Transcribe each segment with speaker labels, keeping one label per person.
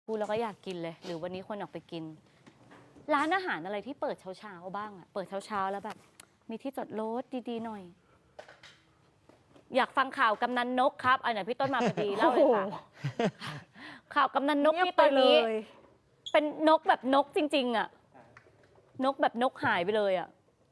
Speaker 1: พูดแล้วก็อยากกินเลย หรือวันนี้คนออกไปกิน ร้านอาหารอะไรที่เปิดเช้าๆบ้างอะเปิดเช้าๆแล้วแบบมีที่จอดรถดีๆหน่อย อยากฟังข่าวกำนันนกครับอันไหนพี่ต้นมาพอดีเล่าเลยค่ะข่าวกำนันนกที่ตอนนี้เป็นนกแบบนกจริงๆอะนกแบบนกหายไปเลยอะ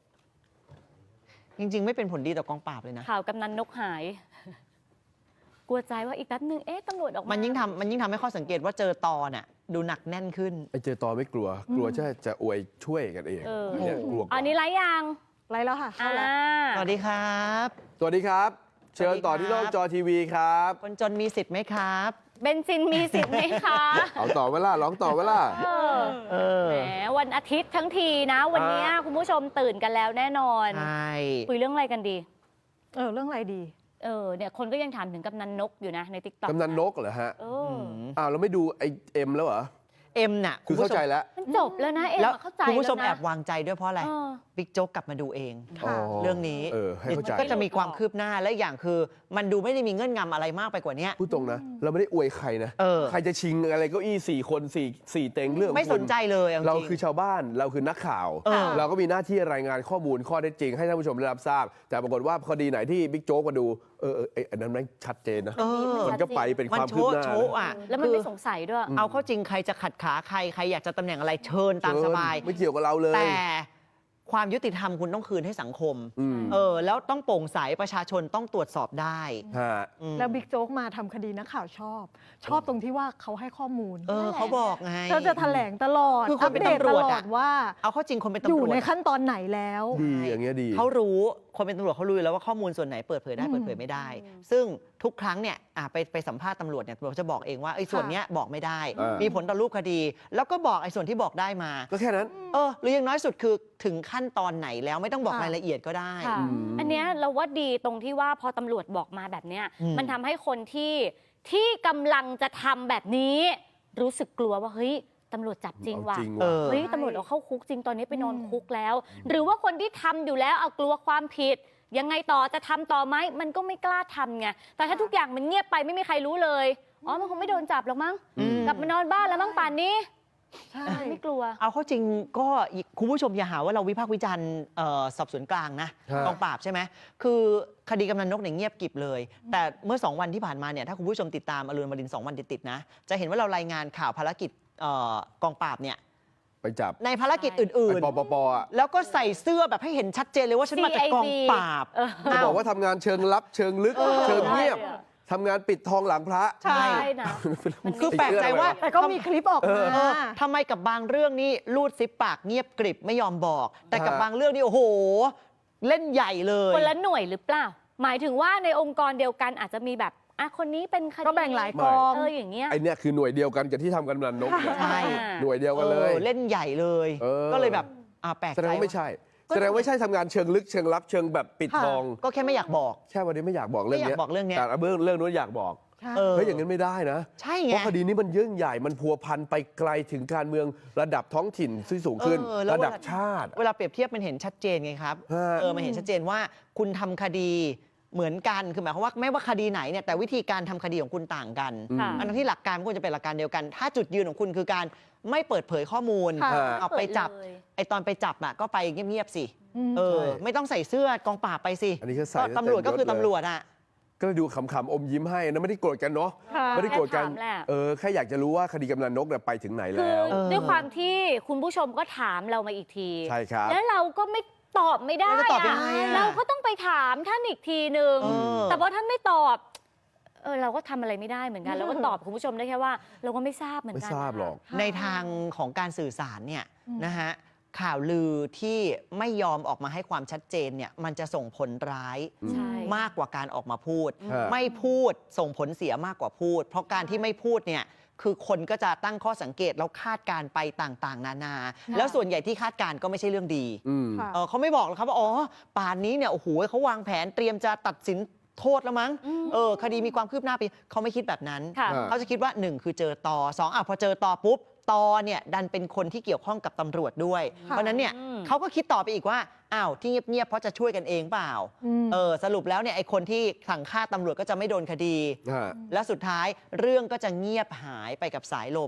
Speaker 2: จริงๆไม่เป็นผลดีต่อกองปราบเลยนะ
Speaker 1: ข่าวกำนันนกหาย กลัวใจว่าอีกแป๊บนึงตำรวจออกมา
Speaker 2: มันยิ่งทำให้ข้อสังเกตว่าเจอตอน่ะดูหนักแน่นขึ้น
Speaker 3: ไอ้เจอตอไม่กลัวจะอวยช่วยกันเองเนี่ยกลัว
Speaker 1: อันนี้ไลฟ์ยัง
Speaker 4: ไลฟ์แล้วค่ะเข้าแล้ว
Speaker 2: สวัสดีครับ
Speaker 3: สวัสดีครับ เชิญต่อที่นอกจอทีวีครับ
Speaker 2: คนจนมีสิทธิ์ไหมครับ
Speaker 1: เบนซินมีสิทธิ์ไหมคะ
Speaker 3: เอาต่อเวลาร้องต่อเวลา
Speaker 1: แหมวันอาทิตย์ทั้งทีนะ วันนี้คุณผู้ชมตื่นกันแล้วแน่นอน
Speaker 2: ใช่
Speaker 1: คุยเรื่องอะไรกันดี
Speaker 4: เรื่องอะไรดี
Speaker 1: เนี่ยคนก็ยังถามถึงกำนันนกอยู่นะในติ๊กต็อก
Speaker 3: กำนันนกเหรอฮะ
Speaker 1: อ้าว
Speaker 3: เราไม่ดูไอเอ็มแล้วเหรอ
Speaker 2: เอ็มน่ะ
Speaker 3: คือเข้าใจแล้ว
Speaker 1: มันจบแล้วนะ
Speaker 2: แล้ว
Speaker 1: เข้าใจ
Speaker 2: คุณผู้ชม
Speaker 1: แล้วนะ
Speaker 2: แอบวางใจด้วยเพราะอะไรบิ๊กโจ๊กกลับมาดูเอง
Speaker 4: ค่ะ
Speaker 2: เรื่องนี้
Speaker 3: ให้เข้าใจ
Speaker 2: ก็จะมีความคืบหน้าและอย่างคือ มันดูไม่ได้มีเงื่อนงำอะไรมากไปกว่านี้
Speaker 3: พูดตรงนะ เราไม่ได้อวยใครนะใครจะชิงอะไรเก็อี้4 คน4เต็งเรื่อง
Speaker 2: ไม่สนใจเลย
Speaker 3: เราคือชาวบ้านเราคือนักข่าว เราก็มีหน้าที่รายงานข้อมูลข้อเท็จจริงให้ท่านผู้ชมได้รับทราบแต่ปรากฏว่าคดีไหนที่บิ๊กโจ๊กมาดูอันนั้นมันชัดเจนนะมันก็ไปเป็นความคืบหน้า
Speaker 1: แล้วมันไม่สงสัยด้วย
Speaker 2: เอาเข้าจริงใครจะขัดขาใครอยากจะตำแหน่งอะไรเชิญตามสบาย
Speaker 3: ไม่เกี่ยวกับเราเลย
Speaker 2: แต่ความยุติธรรมคุณต้องคืนให้สังคมแล้วต้องโปร่งใสประชาชนต้องตรวจสอบได้
Speaker 4: แล้วบิ๊กโจ๊กมาทำคดีนักข่าวชอบตรงที่ว่าเขาให้ข้อมูล
Speaker 2: เขาบอกไง
Speaker 4: เขาจะแถลงตลอด
Speaker 2: คือคนเป็นตำรวจ
Speaker 4: ว่า
Speaker 2: เอาเข้าจริงคนเป็นตำรวจ
Speaker 4: อยู่ในขั้นตอนไหนแล้ว
Speaker 3: ดีอย่างเงี้ยดี
Speaker 2: เขารู้คนเป็นตำรวจเขารู้แล้วว่าข้อมูลส่วนไหนเปิดเผยได้เปิดเผยไม่ได้ซึ่งทุกครั้งเนี่ยไปสัมภาษณ์ตำรวจเนี่ยตำรวจจะบอกเองว่าไอ้ส่วนนี้บอกไม่ได้มีผลต่อรูปคดีแล้วก็บอกไอ้ส่วนที่บอกได้มา
Speaker 3: ก็แค่นั้น
Speaker 2: หรืออย่างน้อยสุดคือถึงขั้นตอนไหนแล้วไม่ต้องบอกรายละเอียดก็ได้
Speaker 1: อันเนี้ยเราว่าดีตรงที่ว่าพอตำรวจบอกมาแบบเนี้ยมันทำให้คนที่กำลังจะทำแบบนี้รู้สึกกลัวว่าเฮ้ยตำรวจจับจริงว่ะเฮ้ยตำรวจเอาเข้าคุกจริงตอนนี้ไปนอนคุกแล้วหรือว่าคนที่ทำอยู่แล้วเอากลัวความผิดยังไงต่อจะทำต่อไหมมันก็ไม่กล้าทำไงแต่ถ้าทุกอย่างมันเงียบไปไม่มีใครรู้เลยมันคงไม่โดนจับหรอกมั้งกลับมานอนบ้านแล้วมั้งป่านนี้
Speaker 4: ใช่
Speaker 1: ไม่กลัว
Speaker 2: เอาเข้าจริงก็คุณผู้ชมอย่าหาว่าเราวิพากษ์วิจารณ์สอบสวนกลางนะกองปราบใช่ไหมคือคดีกำนันนกเนี่ยเงียบกริบเลยแต่เมื่อ2 วันที่ผ่านมาเนี่ยถ้าคุณผู้ชมติดตามอรุณอมรินทร์2 วันติดๆนะจะเห็นว่าเรารายงานข่าวภารกิจกองปราบเนี่ย
Speaker 3: ไปจับ
Speaker 2: ในภารกิจอื่น
Speaker 3: ๆปป
Speaker 2: แล้วก็ใส่เสื้อแบบให้เห็นชัดเจนเลยว่าฉันมาจากกองปราบ
Speaker 3: จะบอกว่าทำงานเชิงลับเชิงลึกเชิงเงียบทำงานปิดทองหลังพระ
Speaker 2: ใช่
Speaker 1: นะ
Speaker 2: คือแปลกใจว่า
Speaker 4: แต่ก็มีคลิปออกมา
Speaker 2: ทำไมกับบางเรื่องนี่รูดซิปปากเงียบกริบไม่ยอมบอกแต่กับบางเรื่องนี่โอ้โหเล่นใหญ่เลย
Speaker 1: คนละหน่วยหรือเปล่าหมายถึงว่าในองค์กรเดียวกันอาจจะมีแบบคนนี้เป็นคดี
Speaker 4: ก็แบ่งหลายกอง
Speaker 1: อย่างเงี้ย
Speaker 3: ไอเนี้ยคือหน่วยเดียวกันกับที่ทำกันกำนันนก
Speaker 2: ใช่
Speaker 3: หน่วยเดียวกันเลย
Speaker 2: เล่นใหญ่เลยก็เลยแบบแปลกใจ
Speaker 3: แสดงว่าไม่ใช่แสดงว่าไม่ใช่ทำงานเชิงลึกเชิงลับเชิงแบบปิดทอง
Speaker 2: ก็แค่ไม่อยากบอก
Speaker 3: แค่วันนี้ไม่อยากบอกเรื่องนี้แต่เรื่องนู้นอยากบอกเฮ้ยอย่างนั้นไม่ได้นะ
Speaker 2: ใช่ไง
Speaker 3: เพราะคดีนี้มันยิ่งใหญ่มันพัวพันไปไกลถึงการเมืองระดับท้องถิ่นที่สูงขึ้นระดับชาติ
Speaker 2: เวลาเปรียบเทียบมันเห็นชัดเจนไงครับมันเห็นชัดเจนว่าคุณทำคดีเหมือนกันคือหมายความว่าไม่ว่าคดีไหนเนี่ยแต่วิธีการทำคดีของคุณต่างกันอันนั้นที่หลักการมันควรจะเป็นหลักการเดียวกันถ้าจุดยืนของคุณคือการไม่เปิดเผยข้อมูลเอาไปจับไอตอนไปจับก็ไปเงียบๆสิไม่ต้องใส่เสื้อกองปราบไปสิ
Speaker 3: อันนี้ก็ใส่
Speaker 2: ตำรวจก็คือตำรวจ
Speaker 3: ก็ดูขำๆอมยิ้มให้นะไม่ได้โกรธกันเนาะไม่ได้โกรธกันแค่อยากจะรู้ว่าคดีกำนันนกไปถึงไหนแล้ว
Speaker 1: ด้วยความที่คุณผู้ชมก็ถามเรามาอีกที
Speaker 3: ใช่ครับ
Speaker 1: แล้วเราก็ไม่ตอบไม่ได้เราก็ต้องไปถามท่านอีกทีหนึ่งแต่พอท่านไม่ตอบเราก็ทำอะไรไม่ได้เหมือนกันเราก็ตอบคุณผู้ชมได้แค่ว่าเราก็ไม่ทราบเหมือนกัน
Speaker 3: ไม่ทราบหรอก
Speaker 2: ในทางของการสื่อสารเนี่ยนะฮะข่าวลือที่ไม่ยอมออกมาให้ความชัดเจนเนี่ยมันจะส่งผลร้ายมากกว่าการออกมาพูดไม่พูดส่งผลเสียมากกว่าพูดเพราะการที่ไม่พูดเนี่ยคือคนก็จะตั้งข้อสังเกตแล้วคาดการไปต่างๆนานาแล้วส่วนใหญ่ที่คาดการก็ไม่ใช่เรื่องดีเขาไม่บอกหรอกครับว่าป่านนี้เนี่ยโอ้โหเขาวางแผนเตรียมจะตัดสินโทษแล้วมั้งคดีมีความคืบหน้าไปเขาไม่คิดแบบนั้นเขาจะคิดว่า1คือเจอต่อ2พอเจอต่อปุ๊บตอเนี่ยดันเป็นคนที่เกี่ยวข้องกับตำรวจด้วยเพราะนั้นเนี่ยเขาก็คิดต่อไปอีกว่าที่เงียบๆเพราะจะช่วยกันเองเปล่าสรุปแล้วเนี่ยไอ้คนที่สั่งฆ่าตำรวจก็จะไม่โดนคดีแล้วสุดท้ายเรื่องก็จะเงียบหายไปกับสายลม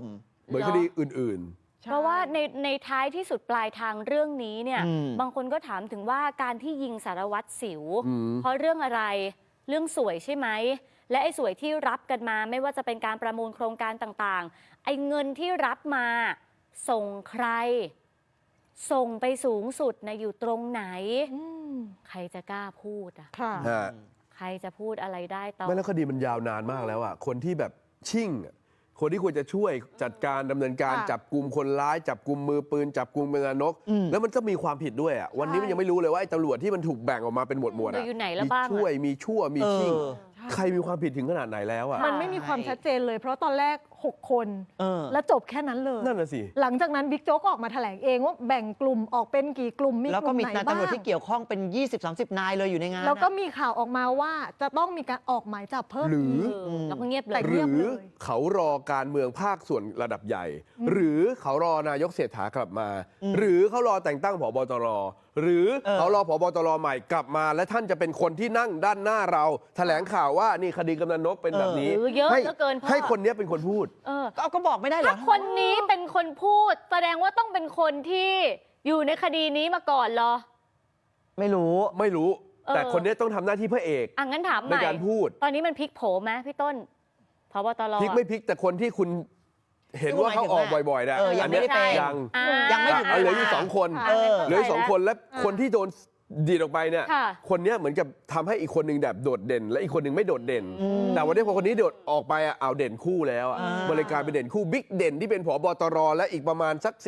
Speaker 3: เหมือนคดีอื่น
Speaker 1: เพราะว่าในท้ายที่สุดปลายทางเรื่องนี้เนี่ย
Speaker 2: อืม
Speaker 1: บางคนก็ถามถึงว่าการที่ยิงสารวัตรสิว
Speaker 3: อืม
Speaker 1: เพราะเรื่องอะไรเรื่องสวยใช่ไหมและไอ้สวยที่รับกันมาไม่ว่าจะเป็นการประมูลโครงการต่างๆไอ้เงินที่รับมาส่งใคร ส่งไปสูงสุดนะอยู่ตรงไหน
Speaker 4: อืม
Speaker 1: ใครจะกล้าพูดอ่ะ
Speaker 4: ค่ะ
Speaker 3: ๆฮะ
Speaker 1: ใครจะพูดอะไรได้ต่อ
Speaker 3: ไม่แล้วคดีมันยาวนานมากแล้วอ่ะคนที่แบบชิ่งอะคนที่ควรจะช่วยจัดการดำเนินการ
Speaker 4: ค่ะ
Speaker 3: จับกลุ่มคนร้าย จับกลุ่มมือปืน จับกลุ่มเป็นนก แล้วมันก็มีความผิดด้วยอ่ะวันนี้มันยังไม่รู้เลยว่าไอ้ตำรวจที่มันถูกแบ่งออกมาเป็นหมวดๆอ่ะ
Speaker 1: อยู่ไหนแล้ว
Speaker 3: มี
Speaker 1: บ้างอะ
Speaker 3: ช่วยมีชั่วมีชิ่ง
Speaker 2: เออ
Speaker 3: ใครมีความผิดถึงขนาดไหนแล้วอ่ะ
Speaker 4: มันไม่มีความชัดเจนเลย เพราะตอนแรก 6 คน
Speaker 2: เออ
Speaker 4: แล้วจบแค่นั้นเลย
Speaker 3: นั่นน่ะสิ
Speaker 4: หลังจากนั้นบิ๊กโจ๊กออกมาแถลงเองว่าแบ่งกลุ่มออกเป็นกี่กลุ่มมี
Speaker 2: แล้ว
Speaker 4: ก
Speaker 2: ก็
Speaker 4: ลุ่ม
Speaker 2: มี
Speaker 4: ไหน
Speaker 2: นาย
Speaker 4: บ้า
Speaker 2: ตำรวจ
Speaker 4: ง
Speaker 2: ที่เกี่ยวข้องเป็น 20-30 นายเลยอยู่ในงาน
Speaker 4: แล้วก็
Speaker 2: อะ
Speaker 4: มีข่าวออกมาว่าจะต้องมีการออกหมายจับเพิ่ม
Speaker 3: หรือ
Speaker 4: ก
Speaker 1: แล้วก็เงียบเล
Speaker 4: แต่
Speaker 1: ย
Speaker 3: ห
Speaker 4: เงี
Speaker 3: รื
Speaker 4: ยบ
Speaker 3: อ
Speaker 4: เลย
Speaker 3: เขารอการเมืองภาคส่วนระดับใหญ่ หรือเขารอนายกเศรษฐากลับมา หรือเขารอแต่งตั้งผบตรหรือเขารอผบตรใหม่กลับมา และท่านจะเป็นคนที่นั่งด้านหน้าเราแถลงข่าวว่านี่คดีกำนันนกเป็นแบบนี้
Speaker 1: เยอะ
Speaker 3: ให้
Speaker 1: เหลือเกินพ่อ
Speaker 3: ให้คนเนี้ยเป็นคนพูด
Speaker 1: เออ
Speaker 2: ก็บอกไม่ได้เหรอ
Speaker 1: ถ้าคนนี้เป็นคนพูด แสดงว่าต้องเป็นคนที่อยู่ในคดีนี้มาก่อนเหรอ
Speaker 2: ไม่รู้
Speaker 3: ไม่รู้ แต่
Speaker 1: เออ
Speaker 3: คนเนี้ยต้องทำหน้าที่พระเอก
Speaker 1: อ่ะงั้นถามให
Speaker 3: ใน
Speaker 1: ม่
Speaker 3: การพูด
Speaker 1: ตอนนี้มันพลิกโผไหมพี่ต้นพบตร
Speaker 3: พลิกไม่พลิกแต่คนที่คุณเห็นว่าเขาออกบ่อยๆนะ
Speaker 2: เออยังไม่ได้เป็น
Speaker 3: ยัง
Speaker 1: อ่า
Speaker 2: ยังไม่ถึง
Speaker 3: เหลืออยู่สองคน
Speaker 1: อ่ะ
Speaker 2: เออ
Speaker 3: เหลืออยู่สองคนและคนที่โดนดีดออกไปเนี่ย
Speaker 1: ค่ะ
Speaker 3: คนเนี้ยเหมือนกับทำให้อีกคนหนึ่งแบบโดดเด่น และอีกคนหนึ่งไม่โดดเด่น แต่วันนี้พอคนนี้โดดออกไปอ่ะเอาเด่นคู่แล้วอ่ะ
Speaker 2: อ่า
Speaker 3: บริการเป็นเด่นคู่บิ๊กเด่นที่เป็นผบตรและอีกประมาณสัก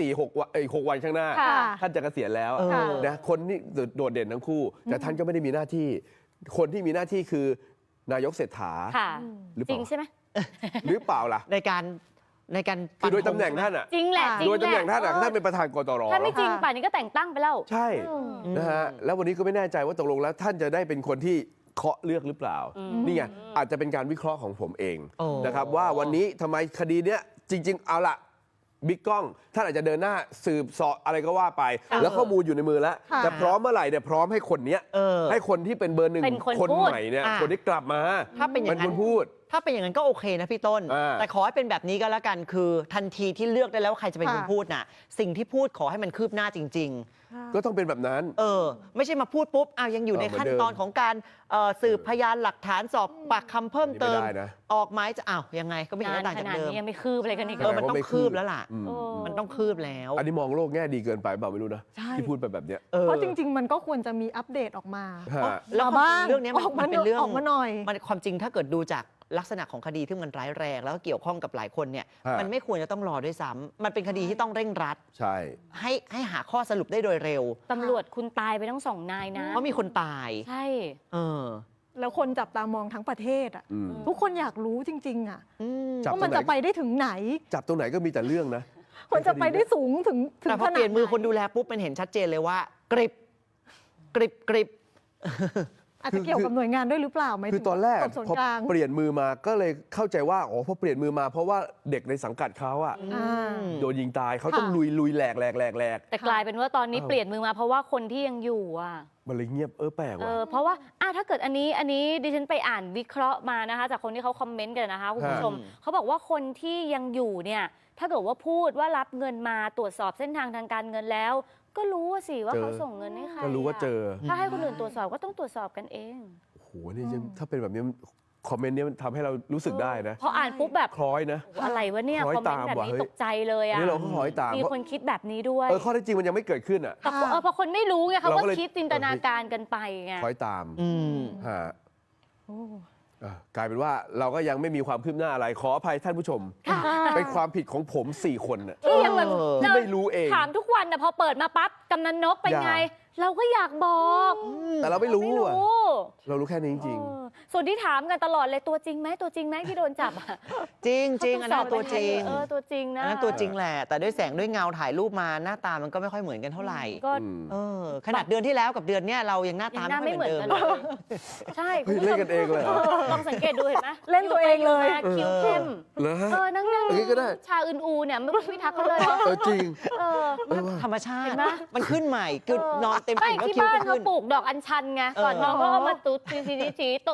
Speaker 3: 6 วันข้างหน้า
Speaker 1: ค่ะ
Speaker 3: ท่านจะเกษียณแล้ว
Speaker 2: เออ
Speaker 3: นะคนที่โดดเด่นทั้งคู่ แต่ท่านก็ไม่ได้มีหน้าที่ คนที่มีหน้าที่คือนายกเศรษฐา
Speaker 1: ค่ะ
Speaker 3: หรือเป
Speaker 1: จ
Speaker 3: ล่า
Speaker 1: ริงใช่ไหม
Speaker 3: หรือเปล่าล่ะ
Speaker 2: ในการ
Speaker 3: คือโดยตำแหน่งท่านอ่ะ
Speaker 1: จริงแหละจริง
Speaker 3: โดย
Speaker 1: แห
Speaker 3: ตำแหน่
Speaker 1: ละ
Speaker 3: งท่านอ่ะท่านเป็นประธานกตร
Speaker 1: ถ้าไม่จริงป่านนี้ก็แต่งตั้งไปแล้ว
Speaker 3: ใช่นะฮะแล้ววันนี้ก็ไม่แน่ใจว่าตกลงแล้วท่านจะได้เป็นคนที่เคาะเลือกหรือเปล่า นี่ไงอาจจะเป็นการวิเคราะห์ของผมเอง
Speaker 2: โอ้
Speaker 3: นะครับว่าวันนี้ทำไมคดีเนี้ยจริง ๆ เอาละบิ๊กกล้องท่านอาจจะเดินหน้าสืบเสาะอะไรก็ว่าไป แล้วข้อมูลอยู่ในมือแล้ว
Speaker 4: ค่ะ
Speaker 3: แต่พร้อมเมื่อไหร่เนี่ยพร้อมให้คนเนี้ย
Speaker 2: เออ
Speaker 3: ให้คนที่เป็นเบอร์หนึ่ง
Speaker 1: เป็นคน
Speaker 3: คน
Speaker 1: พูด
Speaker 3: ใหม่เนี่ย
Speaker 2: อ่ะ
Speaker 3: คนที่กลับมา
Speaker 2: ถ้าเป็นอย่างนั้น
Speaker 3: คนพูด
Speaker 2: ถ้าเป็นอย่างนั้นก็โอเคนะพี่ต้น
Speaker 3: อ่า
Speaker 2: แต่ขอให้เป็นแบบนี้ก็แล้วกันคือทันทีที่เลือกได้แล้วว่าใครจะเป็นคน
Speaker 4: ค่ะ
Speaker 2: พูดน่ะ สิ่งที่พูดขอให้มันคืบหน้าจริง
Speaker 3: ก็ต้องเป็นแบบนั้น
Speaker 2: ๆ เออ ไม่ใช่มาพูดปุ๊บอ้าวยังอยู่ใน
Speaker 3: เหมือน
Speaker 2: ขั้น
Speaker 3: เดิม
Speaker 2: ตอนของการสืบพยานหลักฐานสอบปากคำเพิ่มเติม
Speaker 3: อันนี้ไม่ได้นะ
Speaker 2: ออกหมายจะอ้าวยังไงก็ไม่เห็น
Speaker 1: นาน
Speaker 2: จะต่าง
Speaker 1: ข
Speaker 2: จาก
Speaker 1: นาด
Speaker 2: เดิม
Speaker 1: นี้ยังไม่คืบอะไรกันอีก
Speaker 2: เออมันต้องคืบแล้วล่ะ
Speaker 3: อืม
Speaker 1: โอ้
Speaker 2: มันต้องคืบแล้ว
Speaker 3: อันนี้มองโลกแง่ดีเกินไปเปล่าไม่รู้นะ
Speaker 4: ใช่
Speaker 3: ที่พูดไปแบบเนี้ย
Speaker 2: เออ
Speaker 4: เพราะจริง ๆ มันก็ควรจะมีอัปเดตออกมา
Speaker 3: ฮะ
Speaker 2: แล้วความจริงเรื่องเนี้ย
Speaker 4: ออกมา
Speaker 2: มันเป็นเรื่อง
Speaker 4: ออกมาหน่อย
Speaker 2: มันความจริงถ้าเกิดดูจากลักษณะของคดีที่มันร้ายแรง แล้วก็เกี่ยวข้องกับหลายคนเนี่ย
Speaker 3: ฮะ
Speaker 2: มันไม่ควรจะต้องรอด้วยซ้ำมันเป็นคดีที่ต้องเร่งรัด
Speaker 3: ใช่
Speaker 2: ให้หาข้อสรุปได้โดยเร็ว
Speaker 1: ตำรวจคุณตายไปทั้งสองนายนะ
Speaker 2: เพราะมีคนตาย
Speaker 1: ใช่
Speaker 2: เออ
Speaker 4: แล้วคนจับตามองทั้งประเทศอ่ะ
Speaker 3: อืม
Speaker 4: ทุกคนอยากรู้จริง ๆ อ่ะ
Speaker 2: อืม
Speaker 3: จับ
Speaker 4: ว่ามันจะไปได้ถึงไหน
Speaker 3: จับตรงไหนก็มีแต่เรื่องนะ
Speaker 4: คนจะไปได้สูงถึง
Speaker 2: แต่พอ
Speaker 4: ขนาด
Speaker 2: เปลี่ยนมือคน
Speaker 4: ไห
Speaker 2: ดูแลปุ๊บมันเห็นชัดเจนเลยว่ากริบกริบกริบ
Speaker 4: อาจจะเกี่ยวกับหน่วยงานด้วยหรือเปล่าไหม
Speaker 3: คือตอนแรก
Speaker 4: สอบสวน
Speaker 3: พอก
Speaker 4: ลาง
Speaker 3: เปลี่ยนมือมาก็เลยเข้าใจว่าอ๋อพอเปลี่ยนมือมาเพราะว่าเด็กในสังกัดเขาอะ
Speaker 4: อ่า
Speaker 3: โดนยิงตายเขาต้อง
Speaker 4: ค่ะ
Speaker 3: ลุยแหลก
Speaker 1: แต่กลายเป็นว่าตอนนี้
Speaker 3: เออ
Speaker 1: เปลี่ยนมือมาเพราะว่าคนที่ยังอยู่อ่ะ
Speaker 3: มันเลยเงียบแปลกว่ะ
Speaker 1: เพราะว่าถ้าเกิดอันนี้ดิฉันไปอ่านวิเคราะห์มานะคะ จากคนที่เขาคอมเมนต์กันนะคะคุณผู้ชม
Speaker 2: ฮะ
Speaker 1: เขาบอกว่าคนที่ยังอยู่เนี่ยถ้าเกิดว่าพูดว่ารับเงินมาตรวจสอบเส้นทางทางการเงินแล้ว ก็รู้ว่าสิว่าเขาส่งเงินให้ใคร
Speaker 3: ก็รู้ว่าเจอ
Speaker 1: ถ้าให้คนอื่นตรวจสอบก็ต้องตรวจสอบกันเอง
Speaker 3: โอ้โหนี่ยังถ้าเป็นแบบนี้คอมเมนต์เนี้มันทำให้เรารู้สึกได้นะ
Speaker 1: พออ่านปุ๊บแบบ
Speaker 3: คล้อยนะ
Speaker 1: อะไรวะเนี่ย
Speaker 3: คล้อย
Speaker 1: คอมเมนต์แบบ
Speaker 3: ตามว่ะ
Speaker 1: นี้
Speaker 3: เฮ้ย
Speaker 1: ตกใจเลย
Speaker 3: อัน
Speaker 1: อ่ะ
Speaker 3: นี้เราก็คล้อยตาม
Speaker 1: มีคนคิดแบบนี้ด้วย
Speaker 3: ข้อเท็จจริงมันยังไม่เกิดขึ้นอ่ะ
Speaker 1: แต่พอคนไม่รู้ไงเขา
Speaker 3: เรา
Speaker 1: ก็
Speaker 3: ก็เลย
Speaker 1: คิดจินตนาการกันไปไง
Speaker 3: คล้อยตาม
Speaker 2: อืม
Speaker 3: ฮะ
Speaker 4: โอ้
Speaker 3: กลายเป็นว่าเราก็ยังไม่มีความคืบหน้าอะไรขออภัยท่านผู้ชม เป็นความผิดของผม 4 คนน่ะ
Speaker 1: ที่ยังแบบ
Speaker 3: ที่ไม่รู้เอง
Speaker 1: ถามทุกวันนะพอเปิดมาปั๊บกำนันนกเป็นไง
Speaker 3: อยาก
Speaker 1: เราก็อยากบอก
Speaker 3: แต่เราไม่รู้
Speaker 1: ไม่
Speaker 3: อ่ะ
Speaker 1: รู้
Speaker 3: เรารู้แค่นี้จริง
Speaker 1: เออส่วนที่ถามกันตลอดเลยตัวจริงไหมตัวจริงไหมที่โดนจับอะ
Speaker 2: จริงจริงอันนั้นตัวจริง
Speaker 1: ตัวจริงนะ
Speaker 2: อันนั้นตัวจริงแหละ แต่ด้วยแสงด้วยเงาถ่ายรูปมาหน้าตามันก็ไม่ค่อยเหมือนกันเท่าไหร่
Speaker 1: ก็
Speaker 3: อืม
Speaker 2: เออขนาดเดือนที่แล้วกับเดือนเนี้ยเรายังหน้า
Speaker 1: ยั
Speaker 2: ตาง
Speaker 1: หน้า
Speaker 2: ไม่
Speaker 1: ไม่
Speaker 2: เห
Speaker 1: เห
Speaker 2: มื
Speaker 1: มื
Speaker 2: อ
Speaker 1: อน น
Speaker 2: เดิ
Speaker 1: กั
Speaker 2: ม
Speaker 1: นเลยใช่
Speaker 3: เฮ้ยเล่นกันเองเลยเหรอ
Speaker 1: ลองสังเกตดูเห็นไหม
Speaker 4: เล่นตัวเองเลย
Speaker 1: คิ้วเข้ม
Speaker 3: เหรอฮะ
Speaker 1: นั่ง
Speaker 3: อย่างนี้ก็ได้
Speaker 1: ชาอื่นอูเนี่ยไม่พิทักษ์เขาเลย
Speaker 3: จริง
Speaker 1: เออ
Speaker 2: ธรรมชา
Speaker 1: เห็
Speaker 2: ติ
Speaker 1: นไหม
Speaker 2: มันขึ้นใหม่คือนอนเต็ม
Speaker 1: ไม่
Speaker 2: อิ่มแล้ว
Speaker 1: ที่
Speaker 2: คิ้ว
Speaker 1: บ้าน
Speaker 2: ก็
Speaker 1: เขา
Speaker 2: ขึ้น
Speaker 1: ปลูกดอกอัญชันไงก่อน
Speaker 2: เออ
Speaker 1: น้องก็เอามาตุ๊ดสีโต๊ะ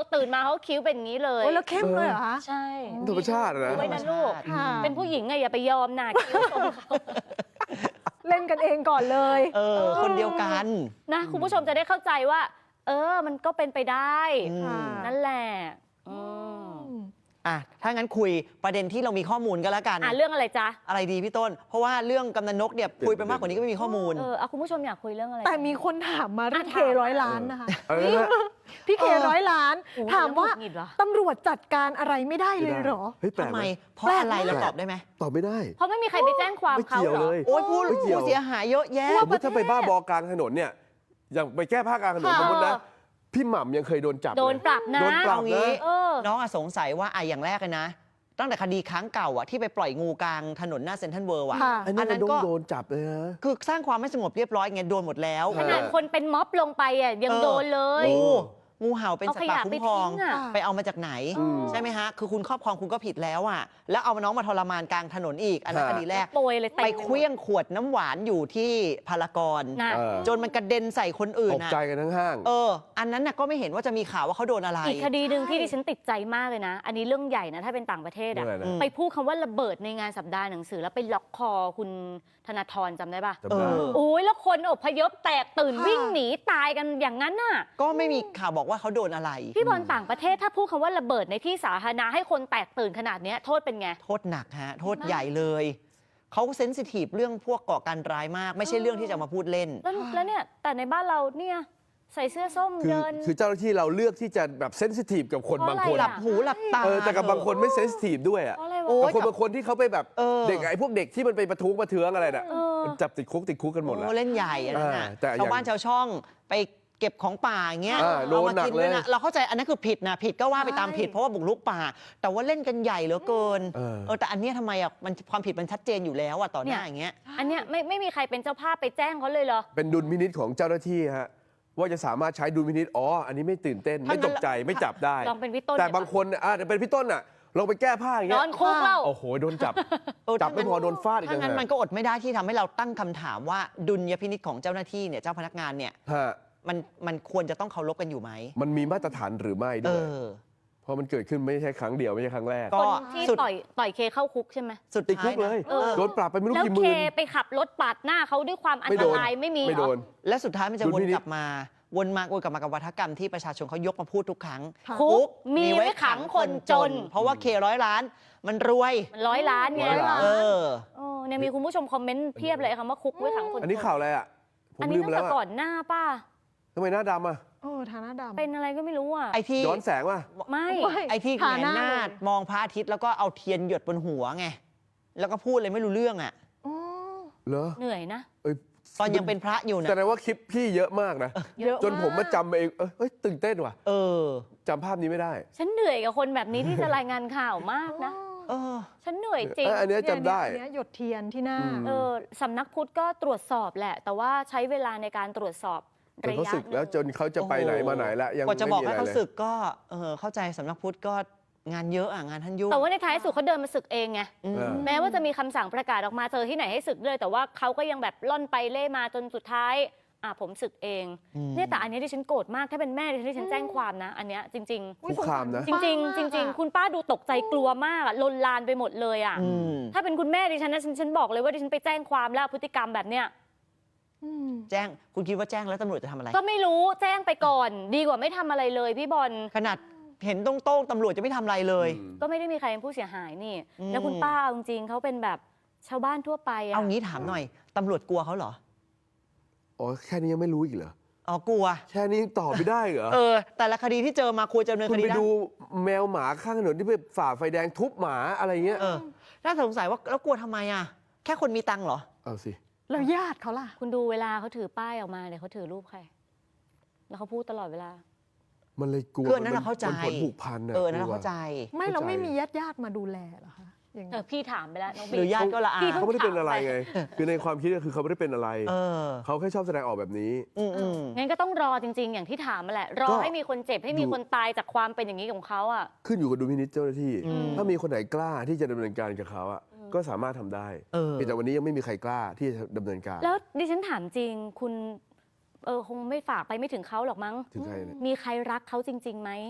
Speaker 1: ตื่นมาเขาคิ้วเป็นอย่างนี้เลย
Speaker 4: โอ้แล้วเข้มเลยเหรอคะ
Speaker 1: ใช่
Speaker 3: ธรรมชาตินะ
Speaker 1: ไว้นะลูก
Speaker 4: ค่ะ
Speaker 1: เป็นผู้หญิงไงอย่าไปยอมนะคิ้วตรงเขา
Speaker 4: เล่นกันเองก่อนเลย
Speaker 2: คนเดียวกัน
Speaker 1: นะคุณผู้ชมจะได้เข้าใจว่า มันก็เป็นไปได้
Speaker 2: อืม
Speaker 1: นั่นแหละอืม
Speaker 2: อ่ะถ้างั้นคุยประเด็นที่เรามีข้อมูลก็แล้วกัน
Speaker 1: เรื่องอะไรจ๊ะ
Speaker 2: อะไรดีพี่ต้น เพราะว่าเรื่องกำนันนกเนี่ยคุยไปมากกว่านี้ก็ไม่มีข้อมูล
Speaker 1: เอาคุณผู้ชมอยากคุยเรื่องอะไร
Speaker 4: แต่มีคนถามมาเรื่อง
Speaker 1: อ่ะ
Speaker 4: เค
Speaker 1: ถาม
Speaker 4: 100 ล้านนะคะ
Speaker 3: อะไรนะ
Speaker 4: พี่เค100 ล้าน
Speaker 1: โอ้โห
Speaker 4: ถามว่า
Speaker 1: หงุดหงิดเหรอ
Speaker 4: ตำรวจจัดการอะไรไม่ได้เลยเหรอ
Speaker 3: เฮ้ยแปล
Speaker 2: ทำ
Speaker 3: ก
Speaker 2: ไม
Speaker 3: ไหม
Speaker 2: เพราะอะไรเราตอบได้ไหม
Speaker 3: ตอบไม่ได้
Speaker 1: เพราะไม่มีใครไปแจ้งความ
Speaker 3: ไม่
Speaker 1: เขา
Speaker 3: เกี่ยว
Speaker 1: เหร
Speaker 3: เล
Speaker 1: อย
Speaker 2: โอ้ยผู้
Speaker 3: ไม่เกี่ยว
Speaker 2: ผู้เสียหายเยอะแยะ
Speaker 3: สมมติถ้าไปบ้าบอกลางถนนเนี่ย อย่างไปแก้ผ้ากลางถนน
Speaker 4: ค่ะ
Speaker 3: สมมตินะ พี่หม่ำยังเคยโดนจับ
Speaker 1: โดน
Speaker 3: เลย
Speaker 1: ปรับนะ
Speaker 3: โดนปรับ
Speaker 2: เอางี้
Speaker 3: นะ
Speaker 1: เออ
Speaker 2: น้องอะสงสัยว่าอย่างแรกเลยนะ ตั้งแต่คดีครั้งเก่าอะที่ไปปล่อยงูกลางถนนหน้าเซ็นทรัลเวิลด์อะ
Speaker 4: ค่ะ
Speaker 3: อันนั้น
Speaker 2: อันนั้น
Speaker 3: ก็
Speaker 2: ก็
Speaker 3: โดนจับเลยนะ
Speaker 2: คือสร้างความไม่สงบเรียบร้อยไงโดนหมดแล้ว
Speaker 1: ขนาดคนเป็นม็อบลงไปยังโดนเลย
Speaker 2: งูเห่าเป็น
Speaker 1: เอา
Speaker 2: สัต
Speaker 1: ข
Speaker 2: ว์ป่าย
Speaker 1: ะ
Speaker 2: คุ้
Speaker 1: ไป
Speaker 2: มครอง
Speaker 1: ทิ้งอ่ะ
Speaker 2: ไปเอามาจากไหน
Speaker 3: อืม
Speaker 2: ใช่ไหมฮะ คือคุณครอบครองคุณก็ผิดแล้วอ่ะ แล้วเอาน้องมาทรมานกลางถนนอีก อันนั้นคดีแรก
Speaker 1: โปรยเลยเต็ม
Speaker 2: ไปเคลี้ยงขวดน้ำหวานอยู่ที่พารากอน
Speaker 1: นะ
Speaker 3: เออ
Speaker 2: จนมันกระเด็นใส่คนอื่น
Speaker 3: ตก
Speaker 2: อ่ะ
Speaker 3: ใจกันทั้งห้าง
Speaker 2: อันนั้นน่ะก็ไม่เห็นว่าจะมีข่าวว่าเขาโดนอะไร
Speaker 1: อีกคดีหนึ่งที่ดิฉันติดใจมากเลยนะ อันนี้เรื่องใหญ่นะ ถ้าเป็นต่างประเทศ
Speaker 3: เรื่องอะไรนะ
Speaker 1: ไปพูดคำว่าระเบิดในงานสัปดาห์หนังสือ แล้วไปล็อกคอคุณธนาธรจำได้ปะ
Speaker 3: จำได้
Speaker 2: เออ
Speaker 1: โอ้ยแล้วคนอพยพแตกตื่น
Speaker 4: ค่ะ
Speaker 1: วิ่งหนีตายกันอย่างนั้นน่ะ
Speaker 2: ก็ไม่มีข่าวบอกว่าเขาโดนอะไร
Speaker 1: พี่บอลต่างประเทศถ้าพูดคำว่าระเบิดในที่สาธารณะให้คนแตกตื่นขนาดเนี้ยโทษเป็นไง
Speaker 2: โทษหนักฮะ โทษใหญ่เลย เขาเซนซิทีฟเรื่องพวกก่อการร้ายมาก ไม่ใช่เรื่องที่จะมาพูดเล่น
Speaker 1: แล้วเนี่ยแต่ในบ้านเราเนี่ยใส่เสื้อส้ม
Speaker 3: คือ
Speaker 1: เดิน
Speaker 3: คือเจ้าหน้าที่เราเลือกที่จะแบบเซนซิทีฟกับคน
Speaker 1: เพราะ
Speaker 3: บางคน
Speaker 1: อะไร
Speaker 2: หลั
Speaker 1: อะ
Speaker 2: บหูหลับตา
Speaker 3: แต่กับบางคนไม่เซนซิทีฟด้วยอ่ะ
Speaker 1: เพราะอะไร
Speaker 2: โอ้
Speaker 1: วะ
Speaker 3: กับคนบางคนที่เขาไปแบบ เด็กไอ้พวกเด็กที่มันไปประท้วงประเทืองอะไรน่ะ
Speaker 1: เออ
Speaker 3: มันจับติดคุกกันหมดแล้ว
Speaker 2: โอ้เล่นใหญ่อันนั้นน่ะ
Speaker 3: แต่อย่าง
Speaker 2: ชาวบ้านชาวช่องไปเก็บของป่าอย่างเงี้ย
Speaker 3: โดนหนักเลย
Speaker 2: นะเราเข้าใจอันนั้นคือผิดนะผิดก็ว่าไปตามผิดเพราะว่าบุกรุกป่า แต่ว่าเล่นกันใหญ่เหลือเกิน แต่อันเนี้ยทำไมอ่ะมันความผิดมันชัดเจนอยู่แล้วอ่ะต่อหน้าอย่างเงี้ย
Speaker 1: อันเนี้ยไม่มีใครเป็นเจ้าภาพไปแจ้งเขาเลยเหรอ
Speaker 3: เป็นดุลพินิจของเจ้าหน้าที่ฮะว่าจะสามารถใช้ดุลพินิจอันนี้ไม่ตื่นเต้น
Speaker 2: ถ้างั้
Speaker 3: ไม่
Speaker 2: น
Speaker 3: ตกใจไม่จับได้
Speaker 1: ลองเป็นพี่ต้น
Speaker 3: แต่
Speaker 1: ดีกว่า
Speaker 3: บางคนเป็นพี่ต้นอ่ะลองไปแก้ผ้าอย่าง
Speaker 1: น
Speaker 3: เงี้
Speaker 1: อย นคุกเล่า
Speaker 3: โอ้โหโดนจับ จับไม่พอโดนฟาดอีก
Speaker 2: ถ้างั้น
Speaker 3: ต่างหาก
Speaker 2: มันก็อดไม่ได้ที่ทำให้เราตั้งคำถามว่าดุลยพินิจของเจ้าหน้าที่เนี่ยเจ้าพนักงานเนี่ย
Speaker 3: ฮะ
Speaker 2: มันควรจะต้องเคารพกันอยู่ไหม
Speaker 3: มันมีมาตรฐานหรือไม่ด้วย เพราะมันเกิดขึ้นไม่ใช่ครั้งเดียวไม่ใช่ครั้งแรก
Speaker 2: ก็
Speaker 1: คนที่
Speaker 2: สุด
Speaker 1: ต่อยเคเข้าคุกใช่ไหม
Speaker 2: สุด
Speaker 3: ติดคุ
Speaker 2: ท้าย
Speaker 3: กเลย
Speaker 2: นะ
Speaker 3: โดนปรับไปไม่รู้
Speaker 1: แล้ว
Speaker 3: กี่ห
Speaker 1: เค
Speaker 3: มื่น
Speaker 1: ไปขับรถปาดหน้าเขาด้วยความอัน
Speaker 3: ไม่
Speaker 1: ต
Speaker 3: โดน
Speaker 1: รายไม่มี
Speaker 3: ไม่โดน
Speaker 2: และสุดท้ายมันจะ
Speaker 3: ดุ
Speaker 2: ว
Speaker 3: ล
Speaker 2: น
Speaker 3: พินิจ
Speaker 2: กลับมาวนกลับมากับวัฒกรรมที่ประชาชนเขายกมาพูดทุกครั้ง
Speaker 4: ค่ะ
Speaker 1: คุกมีไว้ขังคนจน
Speaker 2: เพราะว่าเค100 ล้านมันรวย
Speaker 1: มัน100 ล้านไง
Speaker 3: 100 ล้าน
Speaker 2: เออ
Speaker 1: เนี่ยมีคุณผู้ชมคอมเมนต์เพียบเลยคำว่าคุกไว้ขังคนจน
Speaker 3: อันนี้ข่าวอะไรอ่ะผม
Speaker 1: อันนี้
Speaker 3: ลืม
Speaker 1: ตั้ง
Speaker 3: แล้
Speaker 1: แต่
Speaker 3: ว
Speaker 1: ก่อ
Speaker 3: อ่ะ
Speaker 1: นหน้าป้า
Speaker 3: ทำไมหน้าดำอ่ะ
Speaker 4: ฐานะดำ
Speaker 1: เป็นอะไรก็ไม่รู้อ่ะ
Speaker 2: ไอ้ที่
Speaker 3: ย้อนแสงว่ะ
Speaker 1: ไม่
Speaker 2: ไอ้ที่แห
Speaker 4: ฐาง
Speaker 2: น
Speaker 4: นะ
Speaker 2: หน้า
Speaker 4: เลย
Speaker 2: มองพระอาทิตย์แล้วก็เอาเทียนหยดบนหัวไงแล้วก็พูดเลยไม่รู้เรื่องอ่ะ
Speaker 4: อ๋อ
Speaker 3: เหรอ
Speaker 1: เหนื่อยนะ
Speaker 3: เอ้ย
Speaker 2: ตอนยังเป็นพระอยู่นะ
Speaker 3: แสดงว่าคลิปพี่เยอะมากนะ
Speaker 4: เยอะ
Speaker 3: จนผมมา
Speaker 4: าก
Speaker 3: จำเองตื่นเต้นว่ะ
Speaker 2: เออ
Speaker 3: จำภาพนี้ไม่ได้
Speaker 1: ฉันเหนื่อยกับคนแบบนี้ที่จะรายงานข่าวมากนะ
Speaker 2: เออ
Speaker 1: ฉันเหนื่อยจริง
Speaker 3: อันเนี้ยจำได้
Speaker 4: เนี่ยหยดเทียนที่หน้า
Speaker 3: อืม
Speaker 1: สำนักพุทธก็ตรวจสอบแหละ แต่ว่าใช้เวลาในการตรวจสอบ
Speaker 3: จน
Speaker 1: ระ
Speaker 3: เขา
Speaker 1: ยะ
Speaker 3: ศึกแล้วจนเขาจะไปไหนมาไหนแล้วยัง
Speaker 2: กว่าจะ
Speaker 3: ไม่
Speaker 2: บอก
Speaker 3: มี
Speaker 2: ให้
Speaker 3: อะไร
Speaker 2: เขา
Speaker 3: เลย
Speaker 2: ศึกก็เข้าใจสำนักพุทธก็งานเยอะอ่ะงานท่านยุ่ง
Speaker 1: แต่ว่าในท้ายสุดเขาเดินมาศึกเองไง
Speaker 2: อืม
Speaker 3: เออ
Speaker 1: แม้ว่าจะมีคำสั่งประกาศออกมาเจอที่ไหนให้ศึกเลย แต่ว่าเขาก็ยังแบบล่อนไปเล่มาจนสุดท้ายผมศึกเอง เนี่ยแต่อันเนี้ยที่ฉันโกรธมากถ้าเป็นแม่ที่ฉันแจ้งความนะ อันเนี้ยจริง
Speaker 3: คุกคามนะ
Speaker 1: ๆ จริงๆจริง ๆ คุณป้าดูตกใจกลัวมากอะลนลานไปหมดเลยอะ
Speaker 2: อืม
Speaker 1: ถ้าเป็นคุณแม่ดิฉันนะฉันบอกเลยว่าดิฉันไปแจ้งความแล้วพฤติกรรมแบบเนี้ย
Speaker 2: แจ้งคุณคิดว่าแจ้งแล้วตำรวจจะทำอะไร
Speaker 1: ก็ไม่รู้แจ้งไปก่อน ดีกว่าไม่ทำอะไรเลยพี่บอล
Speaker 2: ขนาดเห็นตรงๆตำรวจจะไม่ทำอะไรเลย
Speaker 1: ก็ไม่ได้มีใครเป็นผู้เสียหายนี่
Speaker 2: อืม
Speaker 1: แล้วคุณป้าเอาจริงๆเขาเป็นแบบชาวบ้านทั่วไปอะ
Speaker 2: เอางี้ถามหน่อยตำรวจกลัวเขาเหรอ
Speaker 3: แค่นี้ยังไม่รู้อีกเหรอ
Speaker 2: อ๋อกลัว
Speaker 3: แค่นี้ยังตอบไม่ได้เหรอ
Speaker 2: แต่ละคดีที่เจอมาควรจะดำเนิน
Speaker 3: คุ
Speaker 2: ค
Speaker 3: ณ
Speaker 2: ดี
Speaker 3: ไป
Speaker 2: ได้
Speaker 3: ดูแมวหมาข้างถนนที่ไปฝ่าไฟแดงทุบหมาอะไรเงี้ย
Speaker 2: น่าสงสัยว่าแล้วกลัวทำไมอ่ะ แค่คนมีตังค์เหรอ
Speaker 3: เอาสิ
Speaker 4: แล้วญาติเขาล่ะ
Speaker 1: คุณดูเวลาเขาถือป้ายออกมาเนี่ยเขาถือรูปใคร แล้วเขาพูดตลอดเวลา
Speaker 3: มันเลยกลัว
Speaker 2: คืออันนั้นเราเข้าใจ
Speaker 3: มันผลผูกพันอะ
Speaker 2: นั่นเราเข้าใจ
Speaker 4: ไม่
Speaker 3: เข้าใจ
Speaker 4: เราไม่มีญาติมาดูแลเหรอคะอย่างนี้
Speaker 1: พี่ถามไปแล้วน้อง
Speaker 2: หรือ
Speaker 1: บี
Speaker 2: ญาติก็ละอา
Speaker 1: พี่
Speaker 3: เขาไม่ได้เป็นอะไรไง คือในความคิดก็คือเขาไม่ได้เป็นอะไร
Speaker 2: เออ
Speaker 3: เขาแค่ชอบแสดงออกแบบนี้
Speaker 1: งั้นก็ต้องรอจริง ๆ อย่างที่ถามมาแหละ รอ
Speaker 3: ก็
Speaker 1: ให้มีคนเจ็บให้มีคนตายจากความเป็นอย่างนี้ของเขาอ่ะ
Speaker 3: ขึ้นอยู่กับดุลพินิจเจ้าหน้าที่
Speaker 2: อืม
Speaker 3: ถ้ามีคนไหนกล้าที่จะดำเนินการกับเขาอะก็สามารถทำได้
Speaker 2: เพียง
Speaker 3: แต่วันนี้ยังไม่มีใครกล้าที่จะดำเนินการ
Speaker 1: แล้วดิฉันถามจริง คุณคงไม่ฝากไปไม่ถึงเขาหรอกมั้ง
Speaker 3: ถึงใครเนี่ย
Speaker 1: มีใครรักเขาจริงๆไหม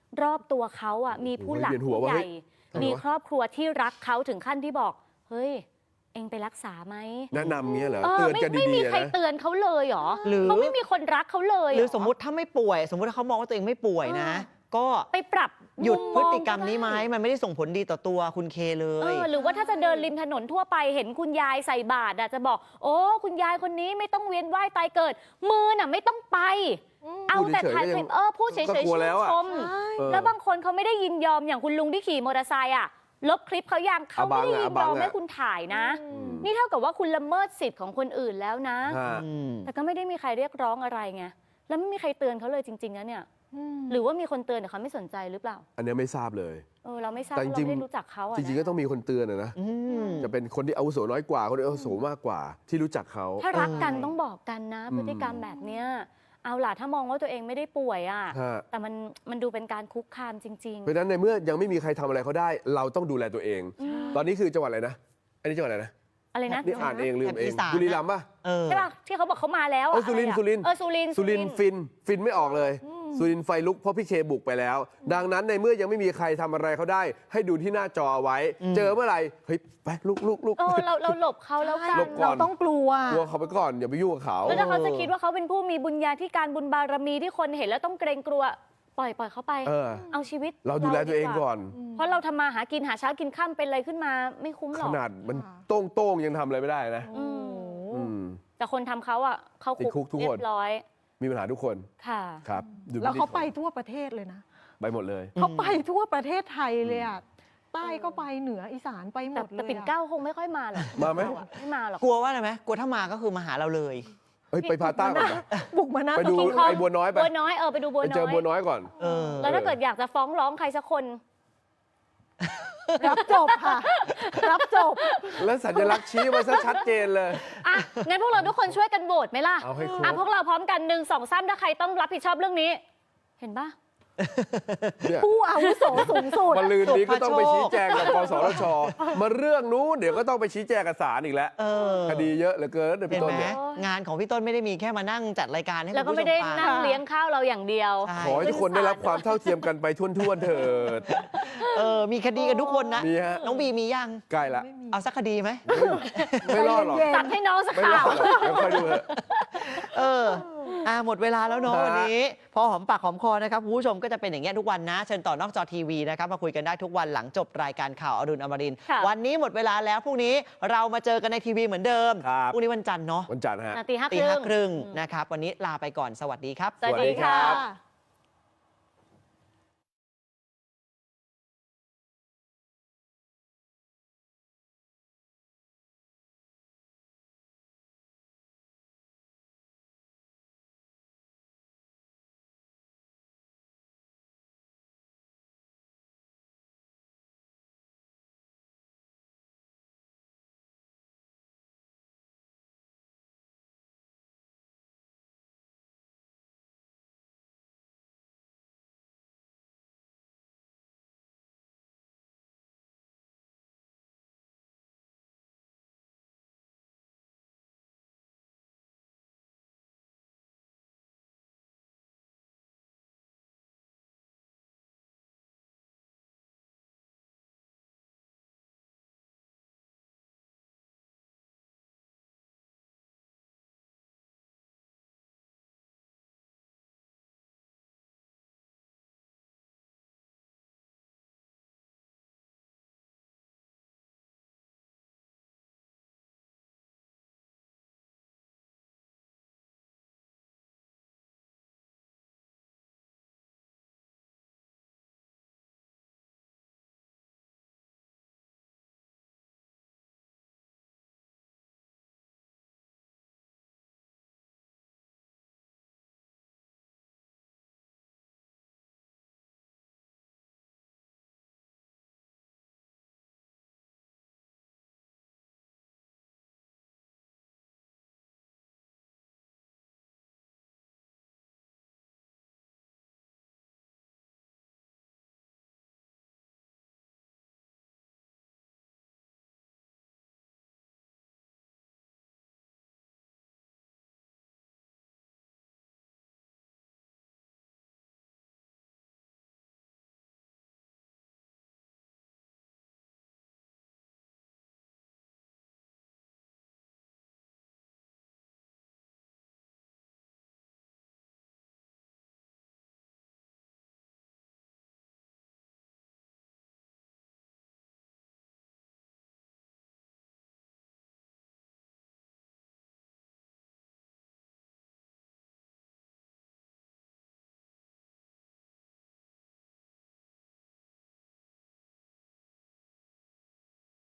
Speaker 1: รอบตัวเขาอ่ะมีผู้หลัก
Speaker 3: โอ้ยเวียนหัว
Speaker 1: ผู้
Speaker 3: ว่ะ
Speaker 1: ใหญ่
Speaker 3: เฮ้ย
Speaker 1: มีครอบครัวที่รักเขาถึงขั้นที่บอกเฮ้ยเองไปรักษาไหม
Speaker 3: แนะนำเงี้ยเหรอ เตือนกัน
Speaker 1: ไม่
Speaker 3: ดี
Speaker 1: มี
Speaker 3: ๆ
Speaker 1: ใคร
Speaker 3: นะ
Speaker 1: เตือนเขาเลยเหรอ
Speaker 2: หรือ
Speaker 1: เขาไม่มีคนรักเขาเลย
Speaker 2: ห
Speaker 1: เ
Speaker 2: รือสมมุติถ้าไม่ป่วย สมมุติถ้าเขามองว่าตัวเองไม่ป่วยนะ ก็
Speaker 1: ไปปรับ
Speaker 2: หยุด
Speaker 1: มุ
Speaker 2: พฤติกรรม
Speaker 1: ก็ด้
Speaker 2: นี้ไหมมันไม่ได้ส่งผลดีต่อตัวคุณเคเล
Speaker 1: เอย อหรือว่าถ้าจะเดินริมถนนทั่วไปเห็นคุณยายใส่บาตรอะจะบอกโอ้คุณยายคนนี้ไม่ต้องเวียนว่ายตายเกิด มือน่ะไม่ต้องไป เอาแต่ถ่ายคลิปพูดเฉย
Speaker 3: ก็
Speaker 1: ๆ
Speaker 3: กลั
Speaker 1: ชื่
Speaker 3: วน แล้วอะ
Speaker 1: ชม
Speaker 3: เออ
Speaker 1: แล้วบางคนเขาไม่ได้ยินยอมอย่างคุณลุงที่ขี่มอเตอร์ไซค์อะลบคลิปเขายังเขาไม่ได้ยินยอมให้คุณถ่ายนะ นี่เท่ากับว่าคุณละเมิดสิทธิ์ของคนอื่นแล้วนะ
Speaker 3: ฮะ
Speaker 1: แต่ก็ไม่ได้มีใครเรียกร้องอะไรไงแล้วไม่มีใครเตือนเขาเลยจริงๆนะเนี่ยหรือว่ามีคนเตือนแต่เขาไม่สนใจหรือเปล่า
Speaker 3: อันเนี้ยไม่ทราบเลย
Speaker 1: เราไม่ทราบ
Speaker 3: แต่
Speaker 1: เพราะ
Speaker 3: จริ
Speaker 1: เรา
Speaker 3: งๆ
Speaker 1: ไม่ได้รู้จักเขาอะ
Speaker 3: จริงๆก็ต้องมีคนเตือนนะ จะเป็นคนที่อาวุโสน้อยกว่า คนที่อาวุโสมากกว่า ที่รู้จักเขา
Speaker 1: ถ้ารักกันต้องบอกกันนะ พฤติกรรมแบบเนี้ยเอาล่ะถ้ามองว่าตัวเองไม่ได้ป่วยอ่ะ
Speaker 3: ฮะ
Speaker 1: แต่มันดูเป็นการคุกคามจริง
Speaker 3: เพราะฉะนั้นในเมื่อยังไม่มีใครทำอะไรเขาได้ เราต้องดูแลตัวเอง ตอนนี้คือจังหวัดอะไรนะ อันนี้จังหวัดอะไรนะ
Speaker 1: ๆ อะไรนะ
Speaker 3: นี่อ่านเองลืมเอง
Speaker 2: อีสาน
Speaker 3: บุรีรัมย์ป่ะ
Speaker 1: ใช่ป่ะที่เขาบอกเขามาแล้ว
Speaker 3: เอ
Speaker 1: อะ
Speaker 3: อสุรินทร์
Speaker 1: อะไรอะ
Speaker 3: สุรินทร์
Speaker 1: สุรินทร์
Speaker 3: ฟินไม่ออกเลย สุรินทร์ไฟลุกเพราะพี่เคบุกไปแล้ว ดังนั้นในเมื่อยังไม่มีใครทำอะไรเขาได้ ให้ดูที่หน้าจอไว้ เจอเมื่อไหร่เฮ้ยไปลุก
Speaker 1: เราหลบเขาแล้วกัน
Speaker 3: หลบก่
Speaker 4: เรา
Speaker 3: อน
Speaker 4: ต้องกลัว
Speaker 3: กลัวเขาไปก่อนอย่าไปยุ่งกับเขา
Speaker 1: แล้วถ้าเขาจะคิดว่าเขาเป็นผู้มีบุญญาธิการบุญบารมีที่คนเห็นแล้วต้องเกรงกลัวปล่อยเขาไป
Speaker 3: เออ
Speaker 1: เอาชีวิต
Speaker 3: เราดูแลตัวเองก่อน
Speaker 1: เพราะเราทำมาหากินหาเช้ากินข้ามเป็นอะไรขึ้นมาไม่คุ้มหร
Speaker 3: ข
Speaker 1: อก
Speaker 3: นาดมันโต้งยังทำอะไรไม่ได้นะ
Speaker 1: อืม
Speaker 3: อืม
Speaker 1: แต่คนทำเขาอ่ะเข้า
Speaker 3: ติดคุกทุก
Speaker 1: เรี
Speaker 3: ค
Speaker 1: ย
Speaker 3: น
Speaker 1: บร้อย
Speaker 3: มีปัญหาทุกคน
Speaker 1: ค่ะ
Speaker 3: ครับดู
Speaker 4: แล้วเขา
Speaker 3: ที่
Speaker 4: ไปทั่วประเทศเลยนะ
Speaker 3: ไปหมดเลย
Speaker 4: เขาไปทั่วประเทศไทยเลยอ่ะใต้ก็ไปเหนืออีสานไปหม
Speaker 1: แต่
Speaker 4: ดเลย
Speaker 1: แต่ปิ่นเกล้าคงไม่ค่อยมาหรอก
Speaker 3: มาไหม
Speaker 1: ไม่มาหรอก
Speaker 2: กลัวว่าอะไรไหมกลัวถ้ามาก็คือมาหาเราเลย
Speaker 3: เฮ้ยไปพาต้าก่อนนะ
Speaker 4: บุกมาหน้า
Speaker 3: ไปดู
Speaker 1: คิงคอง
Speaker 3: ไอ้บัวน้อยไป
Speaker 1: บัวน้อยไปดูบัว
Speaker 3: ไป
Speaker 1: น้
Speaker 3: เจอ
Speaker 1: อย
Speaker 3: บัวน้อยก่อน
Speaker 2: เออ
Speaker 1: แล้วถ้าเกิดอยากจะฟ้องร้องใครสักคน
Speaker 4: รับจบค่ะ รับจบ
Speaker 3: แล้วสัญลักษณ์ชี้มาซะชัดเจนเลย
Speaker 1: อ่ะงั้นพวกเราทุกคนช่วยกันโหวตไหมล่ะ
Speaker 3: เอาให้ครบ
Speaker 1: พวกเราพร้อมกัน1 2 3ถ้าใครต้องรับผิดชอบเรื่องนี้ เห็นปะ
Speaker 3: เนี่ย
Speaker 4: ผู้อาวุโสสูงสุด
Speaker 3: มาลืนนี้ก็ต้องไปชี้แจงกับกสทช มาเรื่องนู้นเดี๋ยวก็ต้องไปชี้แจงกับศาลอีกแล้ว
Speaker 2: เออ
Speaker 3: คดีเยอะเหลือเกินเดี๋ยว
Speaker 2: เห็
Speaker 3: พี่
Speaker 2: น
Speaker 3: ต้น
Speaker 2: ไหม
Speaker 3: เนี่ย
Speaker 2: งานของพี่ต้นไม่ได้มีแค่มานั่งจัดรายการให้
Speaker 1: แล้วก็
Speaker 2: คุณผู้
Speaker 1: ไม่
Speaker 2: ช
Speaker 1: ได้
Speaker 2: มฟัง
Speaker 1: นั่งเลี้ยงข้าวเราอย่างเดียว
Speaker 2: ใช่
Speaker 3: ขอให้ทุกคนได้รับความเท่าเทียมกันไปทั่วๆเถิด
Speaker 2: มีคดีกันทุกคนนะ
Speaker 3: มีฮะ
Speaker 2: น้องบีมียัง
Speaker 3: ใกล้ละ
Speaker 2: เอาสักคดีไหม
Speaker 3: ไม่รอดหรอก
Speaker 4: ใจเย็น
Speaker 1: ตัดให้น้องสัก
Speaker 3: ไม่ร
Speaker 1: ข่า
Speaker 3: อ
Speaker 1: ว
Speaker 3: ดหรอกเดี๋ยวค่อยดูเถอะ
Speaker 2: หมดเวลาแล้วเนาะ
Speaker 3: ฮะ
Speaker 2: วันนี้ พอหอมปากหอมคอนะครับคุณผู้ชมก็จะเป็นอย่างเงี้ยทุกวันนะ เชิญต่อนอกจอทีวีนะครับมาคุยกันได้ทุกวันหลังจบรายการข่าวอรุณอมรินทร์
Speaker 1: ค่ะ
Speaker 2: วันนี้หมดเวลาแล้วพรุ่งนี้เรามาเจอกันในทีวีเหมือนเดิม
Speaker 3: ครับ
Speaker 2: พรุ่งนี้วันจันทร์เนาะ
Speaker 3: วันจันทร์ฮะ
Speaker 1: ตี
Speaker 2: ตี
Speaker 1: 5
Speaker 2: 5
Speaker 1: ค
Speaker 2: ค
Speaker 1: รึ่
Speaker 2: รึ่
Speaker 1: ง
Speaker 2: งนะครับวันนี้ลาไปก่อนสวัสดีครับ
Speaker 1: สวัสดีค่ะ
Speaker 3: สวัสดีครับ